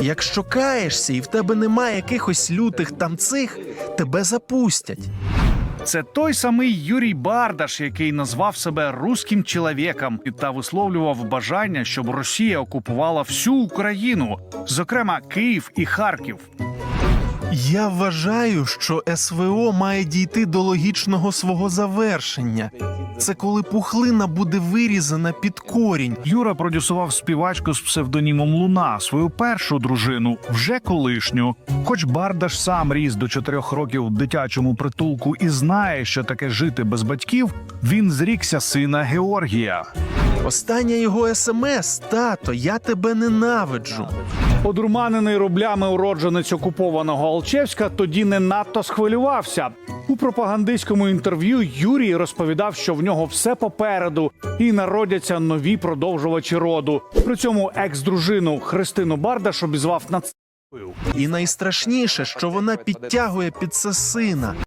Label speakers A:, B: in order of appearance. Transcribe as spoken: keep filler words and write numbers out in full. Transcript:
A: якщо каєшся і в тебе немає якихось лютих там цих, тебе запустять.
B: Це той самий Юрій Бардаш, який назвав себе «русським чоловіком» та висловлював бажання, щоб Росія окупувала всю Україну, зокрема Київ і Харків.
A: Я вважаю, що ес ве о має дійти до логічного свого завершення. Це коли пухлина буде вирізана під корінь.
B: Юра продюсував співачку з псевдонімом Луна, свою першу дружину, вже колишню. Хоч Бардаш сам ріс до чотирьох років в дитячому притулку і знає, що таке жити без батьків, він зрікся сина Георгія.
A: Остання його ес ем ес: «Тато, я тебе ненавиджу».
B: Одурманений рублями уродженець окупованого Алчевська тоді не надто схвилювався. У пропагандистському інтерв'ю Юрій розповідав, що в нього все попереду і народяться нові продовжувачі роду. При цьому екс-дружину Христину Бардаш обізвав нацистською.
A: І найстрашніше, що вона підтягує під це сина.